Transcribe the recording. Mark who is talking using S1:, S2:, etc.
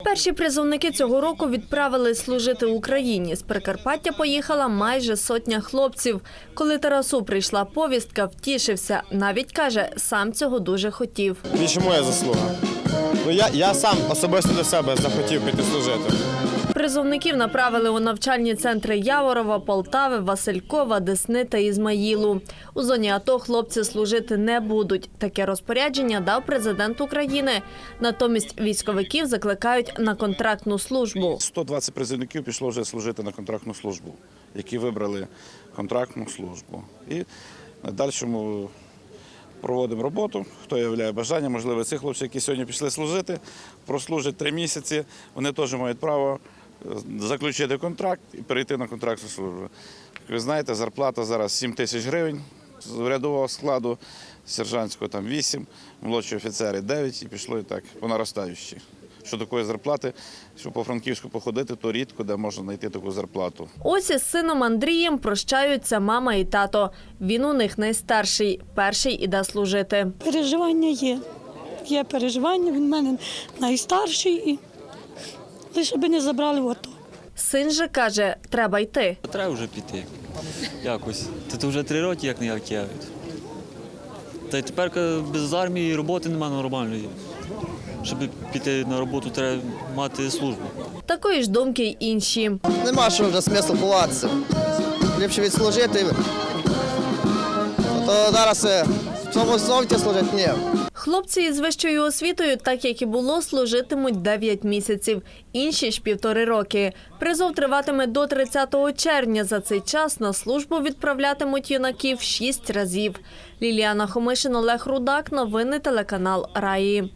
S1: Перші призовники цього року відправили служити Україні. З Прикарпаття поїхала майже сотня хлопців. Коли Тарасу прийшла повістка, втішився. Навіть, каже, сам цього дуже хотів.
S2: Більше моя заслуга. Я сам особисто до себе захотів піти служити.
S1: Призовників направили у навчальні центри Яворова, Полтави, Василькова, Десни та Ізмаїлу. У зоні АТО хлопці служити не будуть. Таке розпорядження дав президент України. Натомість військовиків закликають на контрактну службу.
S3: 120 призовників пішло вже служити на контрактну службу, які вибрали контрактну службу. І на дальшому проводимо роботу, хто являє бажання. Можливо, ці хлопці, які сьогодні пішли служити, прослужать 3 місяці, вони теж мають право заключити контракт і перейти на контрактну службу. Ви знаєте, зарплата зараз 7 тисяч гривень з рядового складу, сержантського там 8, молодші офіцери 9 і пішло і так по наростаючій. Що такої зарплати, що по Франківську походити, то рідко, де можна знайти таку зарплату.
S1: Ось із сином Андрієм прощаються мама і тато. Він у них найстарший, перший іде служити.
S4: Переживання є. Є переживання, він в мене найстарший, і лише би не забрали в АТО.
S1: Син же каже, треба йти.
S5: Треба вже піти якось. Тут вже 3 роки, як не як я. Та й тепер без армії роботи немає нормальної. Щоб піти на роботу, треба мати службу.
S1: Такої ж думки й інші.
S6: Нема що вже смисл ховатися. Ліпше відслужити. То зараз в цьому зовті служити ні.
S1: Хлопці із вищою освітою, так як і було, служитимуть 9 місяців. Інші ж 1,5 роки. Призов триватиме до 30 червня. За цей час на службу відправлятимуть юнаків 6 разів. Ліліана Хомишин, Олег Рудак. Новини телеканал Раї.